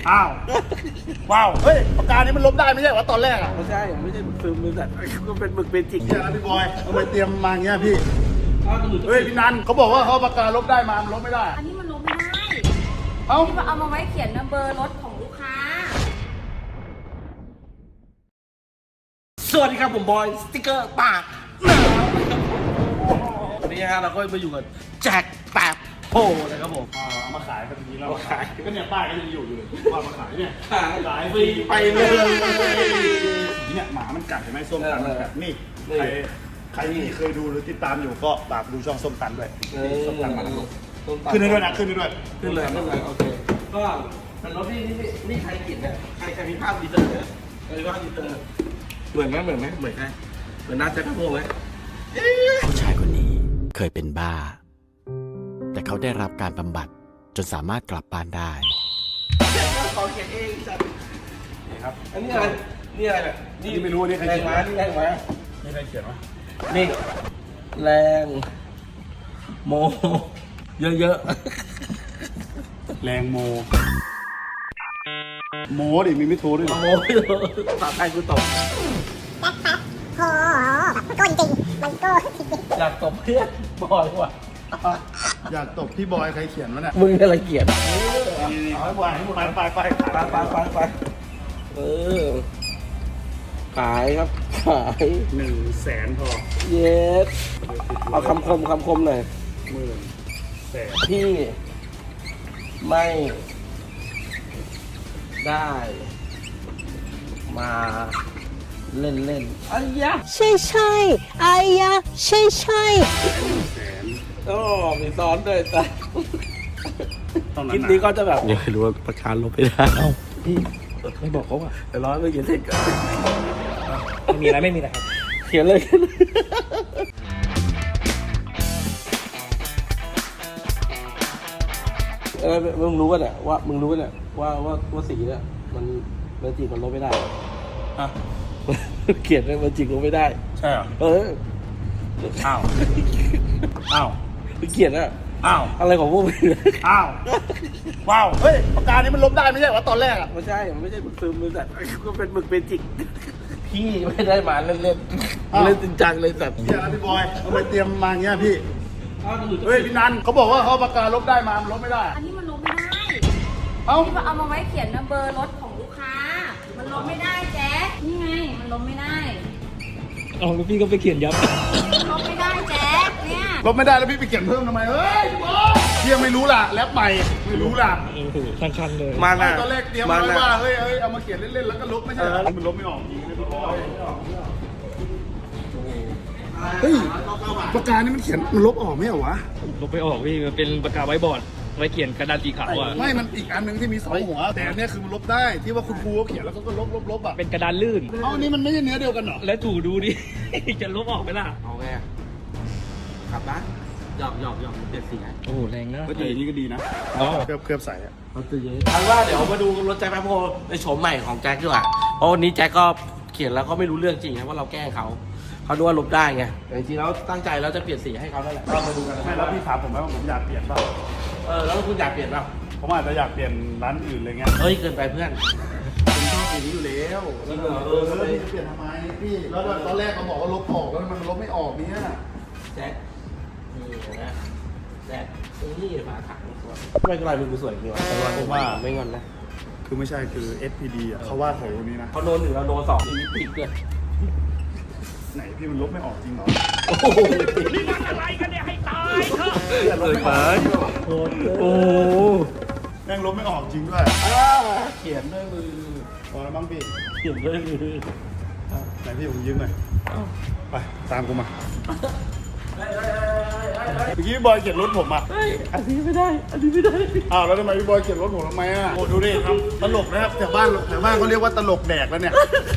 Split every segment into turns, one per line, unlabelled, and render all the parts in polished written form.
อ้าวว้าวเฮ้ยปากกานี้มันลบได้ไม่ใช่เหรอตอนแรกอ่ะ
ไม่ใช่หมึกซึมบริษัทก็เป็นหมึกเบจิก
เนี่ยนะพี่บอยทำไมเตรียมมาอย่างเงี้ยพี่เฮ้ยพี่นันเขาบอกว่าเขาปากกาลบได้มามันลบไม่ได้
อันนี้มันลบไม่ได้
เอ้า
ที่เอามาไว้เขียนเบอร์รถของลูกค้า
สวัสดีครับผมบอยสติ๊กเกอร์ปากวันนี้ฮะเราก็มาอยู่กับแจ็คแป๊บโพนะครับผม
เอามาขายกันทีแล้ว
มาขาย
ก็เนี่ยป้ายก็ยังอยู่เลยว่ามาขายเนี่ย
ขายฟรีไปเลย
เนี่ยหมามันกัดเห็นไหมส้มตันมันกัดนี่
นี่
ใครที่เคยดูหรือติดตามอยู่ก็ฝากดูช่องส้มตันด้วยส้มตันมันลบ
ต้นตั
ขึ้นได้ด้วยนะขึ้นได้ด้วย
ขึ้นเลยโอเคก็เป็นรถนี่ใครกินเนี่ยใครมีภาพดีเตอร์เนี่ยใครมีภาพดีเตอร์เหมือนใครเหมือนใครเหมือนนัทแจ็คโพไหม
ผู้ชายคนนี้เคยเป็นบ้า แต่เขาได้รับการบำบัดจนสามารถกลับบ้านได้
ขอเขียนเองจัด
นี่ครับ
อันนี้อะไรนี่อะไรเนี่ย
นี่ไม่รู้นี่ใคร
แร
เขี
ง
ยน
ม้านี่แรงม้า
นี่ใครเขียนวะ
นี่แรงโมเยอะ
แรงโมโมดิมีไม่โทรด้วย
ๆ
เหรอ
โมภาษาไทยกูตบ
โอ้โหแบบก้นจริง มันก็จริง
อยากตบเพื่อนบอยว่ะ
อยากตบพี่บอยใครเขียนวะเนี่ย
มึงอะไรเกียด
นี่เอาให้บอยไป
เออขายครับขาย
100,000พอ
เย็ดเอาคำคมหน่อย
10,000
พี่ไม่ได้มาเล่นอ้ยะ
ใช่ใช่ไอ้ยะใช่ใช่
โอ้มีซ้อนด้วยแต่
ต้อง
คลิป
นั้น
นี้
นะ
ก็จะแบบยังไม่รู้ว่าประกันลบไม่ได้เอ้าพี่ไม่บอกเขาอ่ะแต่ร้อยไม่เขียนเสร็จก่อน
ไม่มีอะไรครับ
เขียนเลยมึงรู้ป่ะเนี่ยว่าสีเนี่ยมันจีบมันลบไม่ได้
อ่ะ
เขียนเลยมันจีบลบไม่ได้
ใช่เหรอ
เออ
อ้าวอ้าว
เขียนอะ
อ้าว
อะไรของพวกมึง
อ้าวว้าวเฮ้ยปากกานี้มันลบได้ไม่ใช่เหรอตอนแรกอ่ะ
ไม่ใช่ มันไม่ใช่หมึกซึมบริษัทก็เป็นหมึกเบจิกพี่ไม่ได้มาเล่นเล่นจริงจังเลยสัตว์
เนี่ยนะพี่บอยทำไมเตรียมมาอย่างเงี้ยพี่เฮ้ยพี่นันเขาบอกว่าเขาปากกาลบได้มามันลบไม่ได้
อันนี้มันลบไม่ได้
เอ้า
ที่เอามาไว้เขียนเบอร์รถของลูกค้า มันลบไม่ได้แจ๊คนี่ไง มันลบไม่ได้
เอาแล้วพี่ก็ไปเขียนยับ
มันลบไม่ได้แจ๊คเนี่ย
ลบไม่ได้แล้วพี่ไปเขียนเพิ่มทำไมเฮ้ยพี่บอยพี่ยังไม่รู้ล่ะแรปใหม่ไม่รู้ล่ะ
โอ้โหทั้งคันเลย
มา
ไม่
นะ
ตอนแรกเตรียมไว้ว่าเฮ้ยเอามาเขียนเล่นๆแล้วก็ลบไม่ใช่เหรอมันลบไม่ออกจริงเลยพี่บอยเฮ้ยปากกานี่มันเขียนมันลบออกไม่เหรอวะ
ลบไปออกพี่มันเป็นปากกาไว้บอร์ด ไว้เขียนกระดานสีขาวอ่ะ
ไม่มันอีกอันหนึงที่มีสองหัวแต่อันเนี้ยคือมันลบได้ที่ว่าคุณครูเขาเขียนแล้วเขาก็ลบอ่ะ
เป็นกระดานลื่น
เอาอันนี้มันไม่ใช่เนื้อเดียวกันเหรอ
แล้วถูดูดิ จะลบออกไหมล่ะ
เอาไงขับนะหยอกเปลี่ยนสีไง
โอ้โหแรงนะ
ก็แต่อย่างนี้ก็ดีนะ
อ๋อ
เคลือบใส่อะ
เขาตื่นเย็นอันว่าเดี๋ยวมาดูรถแจ็คแป๊บโพในโฉมใหม่ของแจ็คดีกว่าเพราะวันนี้แจ็คก็เขียนแล้วก็ไม่รู้เรื่องจริงนะว่าเราแกล้งเขาดูว่าลบได้ไงแต่จริงๆแล้วตั้งใจแล้วจะเปลี่ยนสีให้เขานั่นแหละก็มาดูกัน
ไม่แล้วพี่ถามผมไหมว่าผมอยากเปลี่ยนเปล่า
แล้วคุณอยากเปลี่ยนเปล่า
ผมอาจจะอยากเปลี่ยนร้านอื่นอะไรเงี้ย
เฮ้ยเกินไปเพื่อน
ผมชอบสีนี้อยู่แล้ว
จริงเหรอ
แล้วพี่จะเปลี่ยนทำไมพี่แล้วตอนแรกเขาบอกว่าลบออกแล้วมันลบไม่ออกเนี่ย
แจ็คนี่นะแจ็คนี่ฝาถังสวยไม่เป็นไรมึงกูสวยจริงวะผมว่าไม่งอนนะ
คือไม่ใช่คือ SPD อ่ะเขาว่าเขานี้นะ
เขาโดนหนึ่งเราโดนสองมีติดเลย
ไหนพี่มันลบไม่ออกจริงเหรอ
โอ้โหนี่มันอะไรกันเนี่ยให้ตายเถอะ
ลบไม่ออก
โอ้
แม่งลบไม่ออกจริงด้วย
เขียนด้วยมือ
พอแล้วมั้งพี่
เขียนด้วยมือ
ไหนพี่ผมยืมหน่อยไปตามกูมาเมื่อกี้พี่บอยเขียนรถผมอ่ะ
อันนี้ไม่ได้
อ้าวแล้วทำไมพี่บอยเขียนรถผมทำไมอ่ะโอ้ดูดิทำตลกนะครับแถวบ้านเขาเรียกว่าตลกแดกแล้วเนี่ย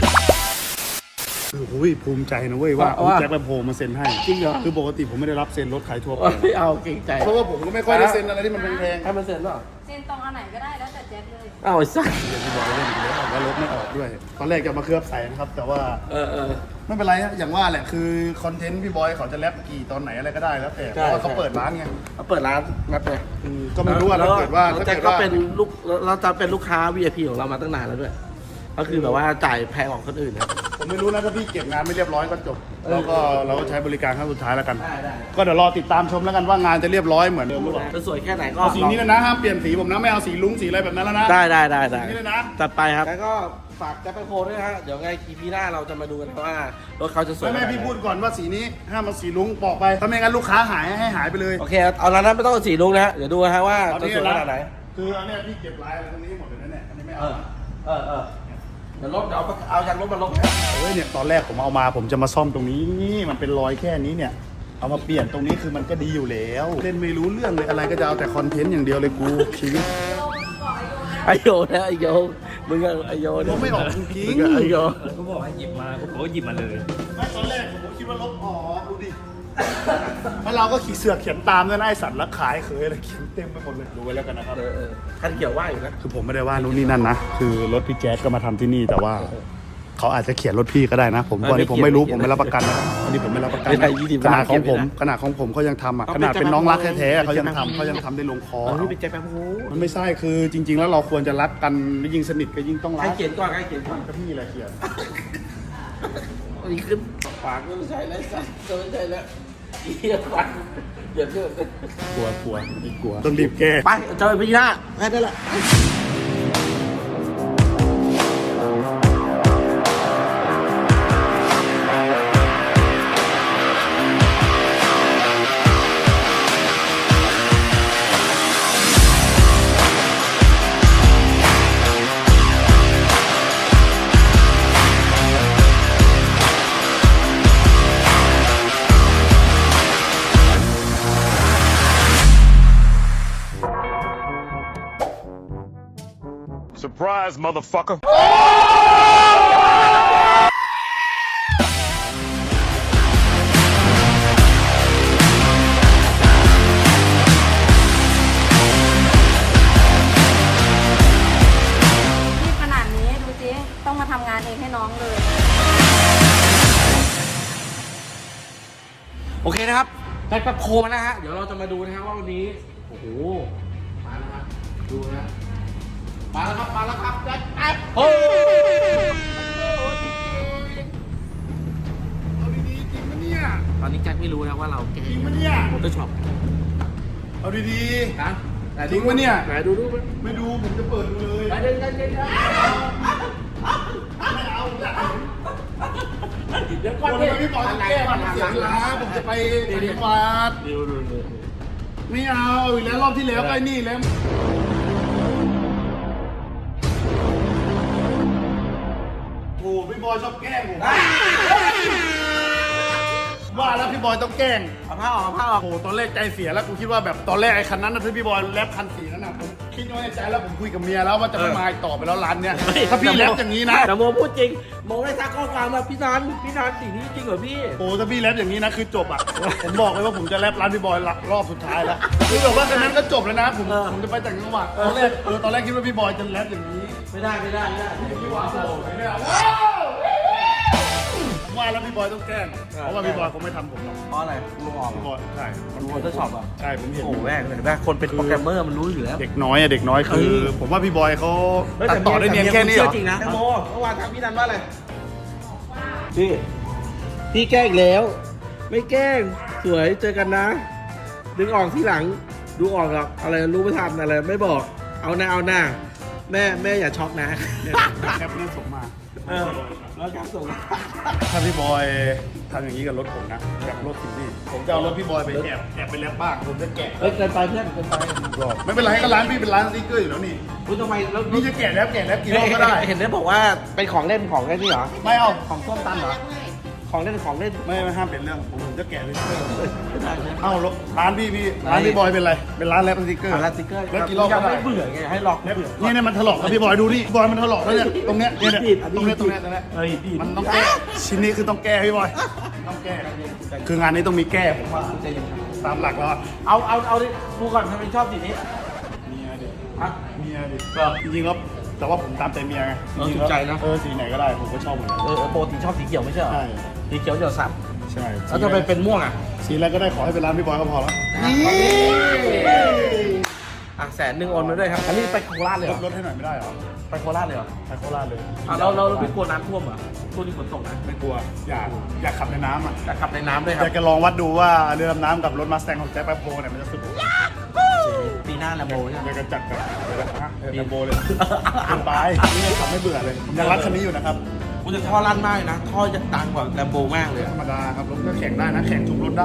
โอ้ยภูมิใจนะเว้ยว่าแจ็คแปมโพมาเซ็นให้
จริงเหรอ
คือปกติผมไม่ได้รับเซ็นรถขายทั่วไป
ไม่เอาเก่งใจ
เพราะว่าผมก็ไม่ค่อยได้เซ็นอะไรที่มันแพง
ให้มันเซ็นหรอ
เซ็นตรงอันไหนก็ได้แล้วแต่แจ๊คเลย
อ้าวไอ้สัส
เดี๋ยวพี่บอยเล่นอีกแล้วแล้วรถไม่ออกด้วย ตอนแรกจะมาเคลือบใส่นะครับ แต่ว่า
เออ
ไม่เป็นไรฮะอย่างว่าแหละคือคอนเทนต์พี่บอยเขาจะแรปกี่ตอนไหนอะไรก็ได้แล้วแต่เพราะว่าเขาเปิดร้านไง
เขาเปิดร้านนัดเลย
ก็ไม่รู้ว่าถ้าเกิดว่า
แล้ว
ถ้า
แจ็ค
เกิด
ก็
ว่า
เป็นลูกเราจะเป็นลูกค้า VIP ของเรามาตั้งนานแล้วด้วย ก็คือแบบว่าจ่ายแพงกว่าคนอื่นนะ
ผมไม่รู้นะถ้าพี่เก็บงานไม่เรียบร้อยก็จบแล้วก็เราก็ใช้บริการครั้งสุดท้ายแล้วกัน
ได้
ก็เดี๋ยวรอติดตามชมแล้วกันว่างานจะเรียบร้อยเหมือนเดิมหรือเปล่า
จะสวยแค่ไหนก็
เอาสีนี้แล้วนะห้ามเปลี่ยนสีผมนะไม่เอาสีลุ้งสีอะไรแบบนั้นแล้วนะ
ได้
นี่เลยนะ
จัดไปครับแล้วก็ฝากแจ็คแปนโคด้วยนะฮะเดี๋ยวไง EP หน้าเราจะมาดูกันว่ารถเขาจะสวย
ไม่พี่พูดก่อนว่าสีนี้ห้ามเอาสีลุ้งบอกไปถ้าไม่งั้นลูกค้าหายให้หายไปเลย
โอเคเอาแล้วนั้นไม่ต้องสีลุงนะฮะเดี๋ยวดูนะฮะว่า
เอา
จะ
นี่
สวย
นะ
ขนาดไหน
คืออันเนี้ยพี่เก็บลายอะไรตรงนี้หมดเลยนะเนี่ยอันนี้ไม่
เอ
เอา
อเดี๋ยวเอาจากรถมาลง
เฮ้ยเนี่ยตอนแรกผมเอามาผมจะมาซ่อมตรงนี้นี่มันเป็นรอยแค่นี้เนี่ยเอามาเปลี่ยนตรงนี้คือมันก็ดีอยู่แล้วเล่นไม่รู้เรื่องเลยอะไรก็จะเอาแต่คอนเทนต์อย่างเดียวเลยกูชีวิต
ไอโยนะไอโยมึงอะไอโย
ลบไม่ออกจริง
มึอะไอโย
ก็บอกให้หยิบมาผมก็หยิบมาเลย
ไม่ตอนแรกผมคิดว่าลบออกดูดิแล้วเราก็ขี่เสือกเขียนตามด้วยนะไอสัตว์แล้วขายเคยอะไรเขียนเต็มไปหมดเลยดูไว้แล้วกันนะครับ
คันเกี่ยวว่าอยู่นะ
คือผมไม่ได้ว่านู่นนี่นั่นนะคือรถพี่แจ๊สก็มาทำที่นี่แต่ว่าเขาอาจจะเขียนรถพี่ก็ได้นะ ผมวันนี้ผมไม่รู้ผมไม่รับประกันนะอันนี้ผมไม่รับประกัน
ไม่ได้20
ขนาดของผม
ล้าน
ขนาดของผมเขายังทำอ่ะขนาดเป็นน้องรักแท้ๆเขายังทำได้ลงคอ
อ๋อนี่เป็นแจ็คแปนโค
มันไม่ใช่คือจริง ๆ แล้วเราควรจะรักกันยิ่งสนิทก็ยิ่งต้อง
ใค
รั
ร
ก
เขียนก่อนใครเขียนก่อน
ก็พี่แหละเขียน
อันนี้ขึ้นปากก็ไม่ใช่แล้วสัตว์ก็ไม่ใช่แล้วเหี้ยฟันเดี๋ยวเถอะ
กลัวต้องรีบแก้
ไปเจอพี่หน้าแค่นั้นแหละ
Surprise, motherfucker.
ที่ขนาดนี้ดูสิต้องมาทำงานเองให้น้องเลย
โอเคนะครับแจ็คแปนโคมาแล้วฮะเดี๋ยวเราจะมาดูนะครับว่าวันนี้โอ้โหมาแล้วครับดูนะมาแล้วครับแจ็คแปนโค
เอาดีๆจริงปะเนี่ย
ตอนนี้แจ็คไม่รู้นะว่าเราแก
จริงปะเนี่ย
มอเตอร์ช็อป
เอาดี
นะไหน
จริงปะเนี่ย
ไหนดูมั้ย
ๆไม่ดูผมจะเปิดดูเลย
ไหนเดินเดี๋ยวก่อน
คน
ดิ
ไม่พี่บอยต้องแก้มันเสียเวลาผมจะไปต่างจังหวัด
ดู
ไม่เอาอีกแล้วรอบที่แล้วก็ไอ้นี่แล้วโอ้พี่บอยชอบแกล้งผมว่าแล้วพี่บอยต้องแกล้ง
เอาผ้าออก
โอ้โหตอนแรกใจเสียแล้วกูคิดว่าแบบตอนแรกไอ้คันนั้นนะที่พี่บอยแรปคันสีนั้นนะผมคิดไว้ในใจแล้วผมคุยกับเมียแล้วว่าจะไม่มาอีกต่อไปแล้วร้านเนี้ยถ้าพี่แรปอย่างนี้นะ
แต่โมพูดจริงโมได้ทักข้อความมาพี่นันสิ่งนี้จริงเหรอพี่
โอ้ถ้าพี่แรปอย่างนี้นะคือจบอ่ะ ผมบอกเลยว่าผมจะแรปร้านพี่บอยรอบสุดท้ายแล้วคือแบบว่าคันนั้นก็จบแล้วนะผมจะไปต่างจังหวัดตอนแรกคิดว่าพี่บอยจะแรปอย่างนี้
ไม่ได้
พี่บอยโอ้ไม่เอาว่าแล้วพี่บอยต้องแกล้งเพราะว่าพี่บอยคงไม่ทำผมหรอก
เพราะอะไรลุงออก
พี่บอยใช่
มันมอเตอร์ช็อปอ่ะ
ใช่ผมเห็น
โอ้แม่งเลยแม่คนเป็นโปรแกรมเมอร์มันรู้อยู่แล้ว
เด็กน้อยอะเด็กน้อยคือ ผมว่าพี่บอยเขาตัดต่อได้เนียนแค่นี้เหรอ
จริงนะโมเมื่อวานทักพี่นันว่าอะไรพี่แกล้งอีกแล้ว ไม่แกล้งสวยเจอกันนะ ดึงออกที่หลังดูออกหรอกอะไรรู้ไม่ทันอะไรไม่บอกเอาหน้าแม่อย่าช็อกนะ
เนี่ยแคปเนี่ยส่งมา
แล้วครับส่ง
ถ้าพี่บอยทำอย่างนี้กับรถผมนะกับรถคุณพี่ผมจะเอารถพี่บอยไปแอบไปแลบบ้างผมจะแกะ
เฮ้ยเกินไปเพื่อนเกินไป
รอบไม่เป็นไรก็ร้านพี่เป็นร้านสติ๊กเกอร์อยู่แล้วนี่
คุณทำไมแล้ว
นี่จะแกะแล้วกี่รอบก็ได้
เห็นได้บอกว่าเป็นของเล่นนี่เหรอ
ไม่เอา
ของส้มตำเหรอของเล่น
ไม่ห้ามเป็นเรื่องผมจะแกะเลย
ไม่ได้เลย
เอ้าร้านพี่ร้านพี่บอยเป็นอะไรเป็นร้านแลบสติ๊กเกอร์
ร้านสติ๊กเกอร์
แล้วกี่รอบ
ยั
ก็
ง
ได้
ไม่เบื่อไงให้ลอกไม่เบื่อ
นี่มันถลอกแล้วพี่บอยดูนี่บอยมันถลอกแล้วเนี่ยตรงเนี้ยเนี่ยตรงเนี้ย
เฮ้ยดี
มันต้องแก้ชิ้นนี้คือต้องแก้พี่บอยต้องแก้คืองานนี้ต้องมีแก้ผมว่าตามหลักแล้ว
เอาดิดูก่อนทำไมชอบสีนี้
เมียเด็ก
ฮะ
เมียยดิ
ก็
จริงๆแล้วแต่ว่าผมตามใจเมียไง
เออ
ริงๆ
ถูกใจนะ
สีไหนก็ได้ผมก็ชอบเหมือนกัน
ปกติชอบสีเขียวไม่ใช่เหรอ
ใช่
สีเขียวเดี๋ยวสับ
ใช่
แล้วทำไมเป็นม่วงอ่ะ
สีอะไรก็ได้ขอให้เป็นร้านพี่บอยก็พอแล้ว
อ่ะ100,000โอนมาด้วยครับอันนี้ไปโคราชเลยเหรอ
ลดให้หน่อยไม่ได้เหรอ
ไปโคราชเลยเหรอ
ไปโคราชเลย
อ่ะเราไม่กลัวน้ำท่วมเหรอช่วงนี้ฝนตกนะ
ไม่กลัวอยากขับในน้ำอ่ะ
แต่ขับในน้ำด้วยค
อ
รับ
ยากจะลองวัดดูว่าเรือดำน้ำกับรถมาสแตงของแจ็คแป๊บโพเนี่ยมันจะสุด
ปีหน้าแลมโบใช่ไหม
อยากจะจัดแบบเรือโบเลยเกินไปนี่ยังขับไม่เบื่อเลยผมยังรักคันนี้อยู่นะครับ
กูจะท่อลั่นมากเลยนะ ท่อจะดังกว่าแลมโบมากเลย
ธรรมดาครับรถก็แข่งได้นะแข่งทุกรถได้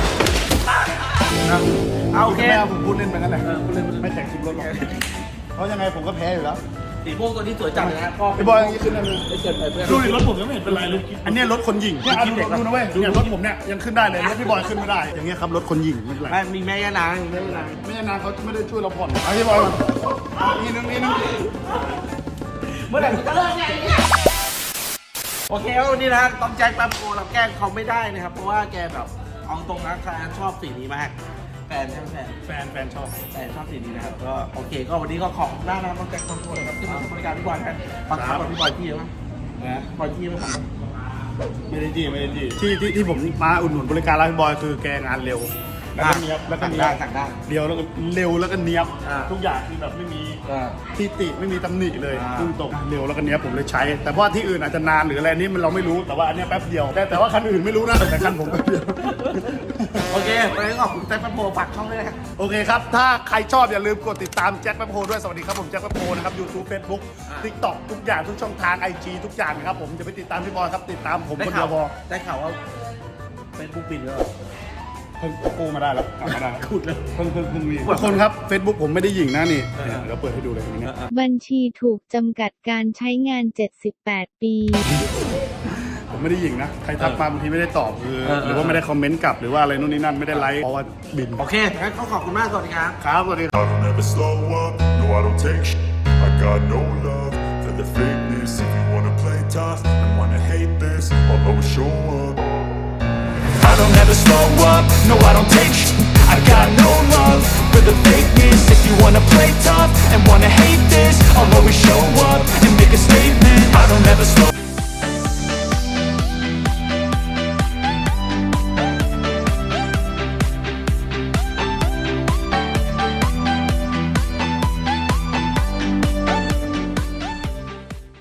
เอาโอเค
ไม่เอาผมพูดเล่นไปนั่นแหละ
พูดเล่น
ไม่แข่งทุกรถหรอกเพราะยังไงผมก็แพ้อยู่แล้ว
สีม่วงตัวนี้สวยจังเลยนะพ่อ
ไอ้บอยอย่างนี้ขึ้นได้เลย
ไม่เกินไปเพื่อน
ดูดิรถผมยังไม่เห็นเป็นไรเลยอันเนี้ยรถคนหญิงเนี่ยเอาดูนะเว้ยเนี่ยรถผมเนี่ยยังขึ้นได้เลยรถพี่บอยขึ้นไม่ได้ อย่างเงี้ยครับรถคนหญิงไม่เป็นไร
ไม่มีแม่ย่านางมีแม่ย่านาง
ไม่ใช่นานเขาไม่ได้ช่วยเราผ่อนเอาพี่บอยก่อนนี่นึง
เมื่อไหร่จะเลิกเนี่ยโอเคครับวันนี้นะต้องแจ็คแป๊บโกเราแกล้งเขาไม่ได้นะครับเพราะว่าแกแบบเอาตรงนะแฟนชอบสีนี้มากแฟนใช่ไหมแฟน
แฟนชอบ
ชอบสีนี้นะครับก็โอเคก็วันนี้ก็ขอบคุณมากนะครับต้องแจ็คแป๊บโกนะครับที่มาบริการพี่บอยกันบางครั้งแบบพี่บอยที่เยอะมาก
นะ
บอยที่ไม่ทำ
ไม่ได้จี้ที่ผมมาอุดหนุนบริการร้านพี่บอยคือแกงานเร็วแล้วก็เนียบแล้วก็เนียบ
สั่งได้
เดียวแล้วก็เร็วแล้วก็เนียบ
อ่า
ทุกอย่างคือแบบไม่มี
อ่า
ที่ติไม่มีตำหนิเลย
อ่า
พุ่งตรงเร็วแล้วก็เนี้ยบผมเลยใช้ แต่ว่าที่อื่นอาจจะนานหรืออะไรนี่มันเราไม่รู้แต่ว่าอันเนี้ยแป๊บเดียวแต่ว่าคันอื่นไม่รู้นะแต่คันผมแป๊บเดียว
โอเควันนี้ขอบคุณแจ็คแป๊บโกฝากช่องด้วยนะครับ
โอเคครับ ถ้าใครชอบอย่าลืมกดติดตามแจ็คแป๊บโฮด้วยสวัสดีครับผมแจ็คแป๊บโฮนะครับ YouTube Facebook TikTok ทุกอย่างทุกช่องทาง IG ทุกอย่างนะครับผมจะไปติดตามพี่บอยครับติดตามผมคนเดียวพอ
ได้ข่าวว่าเป็นบุ๊กบินแล้วเหรอ
เพิ่งกู้มาได้แล้วกลับมาได้แล้ว
ขุดเลย
เพิ่งมีทุกคนครับ Facebook ผมไม่ได้หยิงนะนี่เดี๋ยวเปิดให้ดูเลยตรงนี้
บัญชีถูกจำกัดการใช้งาน 78 ปี
ผมไม่ได้หยิงนะ ใครทักมาบางทีไม่ได้ตอบคือหรือว่าไม่ได้คอมเมนต์กลับหรือว่าอะไรนู่นนี่นั่นไม่ได้ไลค์เพราะว่าบิน
โอเคงั้นก็ขอบคุณมากสวัสดีครับ
ครับสวัสดีครับ
I don't ever slow up, no I don't take sh**. I got no love for the fakeness. If you wanna play tough and wanna hate this, I'll always show up. I don't ever slow up, no I don't take sh**. I got no love for the fakeness. If you wanna play tough and wanna hate this, I'll always show up.